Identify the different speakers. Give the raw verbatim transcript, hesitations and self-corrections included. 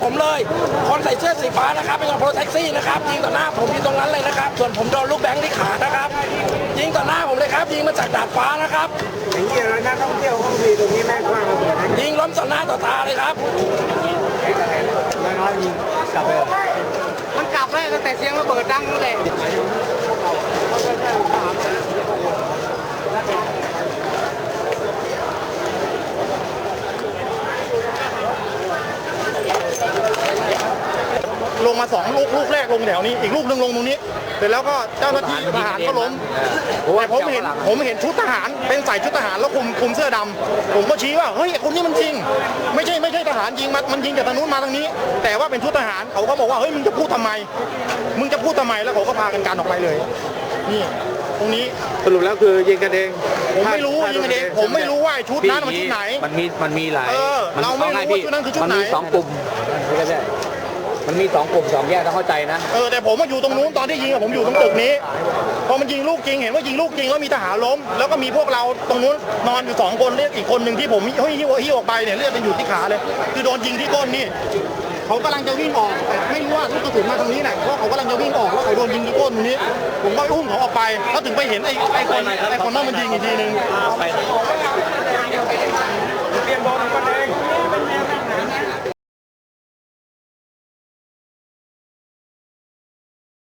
Speaker 1: ผมเลยคนใส่เสื้อสีฟ้านะครับเป็นคนรถแท็กซี่นะครับยิงต่อหน้าผมอยู่ตรงนั้นเลยนะครับส่วนผมโดนลูกแบงค์ที่ขานะครับยิงต่อหน้าผมเลยครับยิงมาจากดาดฟ้านะครับ
Speaker 2: อย่างนี้แล้วนักท่องเที่ยวเขามีตรงนี้แม่กว้างระเบิด
Speaker 1: ยิงล้มต่อหน้าต่อตาเลยครับ
Speaker 2: แล้วน้อยยิงกลับไป
Speaker 3: มันกลับเลยตั้งแต่เสียงระเบิดดังนั่นแหละ
Speaker 4: ลงมาสองลูกลูกแรกลงแถวนี้อีกลูกหนึ่งลงตรงนี้เสร็จแล้วก็เจ้าหน้าที่ทหารก็ล้มแต่ผมเห็นผมเห็นชุดทหารเป็นใส่ชุดทหารแล้วคุมคุมเสื้อดำผมก็ชี้ว่าเฮ้ยคนนี้มันจริงไม่ใช่ไม่ใช่ทหารยิงมันมันยิงจากทางนู้นมาทางนี้แต่ว่าเป็นชุดทหารเขาก็บอกว่าเฮ้ยมึงจะพูดทำไมมึงจะพูดทำไมแล้วเขาก็พากันกันออกไปเลยนี่ตรงนี้
Speaker 2: สรุปแล้วคือยิงกันเอง
Speaker 4: ผมไม่รู้ยิงกันเองผมไม่รู้ว่าชุดนั้นมันชุดไหน
Speaker 5: มันมีมันมีหลาย
Speaker 4: เราไม่รู้ว่าชุดนั้นคือชุดไหน
Speaker 5: มันมีสองกลุ่มมันมีสองกลุ่มสองแยกต้องเข้าใจนะ
Speaker 4: เออแต่ผมมาอยู่ตรงนู้นตอนที่ยิงผมอยู่ตรงตึกนี้พอมันยิงลูกจริงเห็นว่ายิงลูกจริงแล้วมีทหารล้มแล้วก็มีพวกเราตรงนู้นนอนอยู่สองคนเลือดอีกคนหนึ่งที่ผมเฮ้ยหิ้วหิ้วออกไปเนี่ยเลือดมันอยู่ที่ขาเลยคือโดนยิงที่ก้นนี่เขากำลังจะวิ่งออกแต่ไม่รู้ว่าลูกกระสุนมาตรงนี้แหละเพราะเขากำลังจะวิ่งออกแล้วเขาโดนยิงที่ก้นตรงนี้ผมก็อุ้มเขาออกไปแล้วถึงไปเห็นไอ้ไอ้คนไอ้คนนั้นมันยิงอีกทีนึง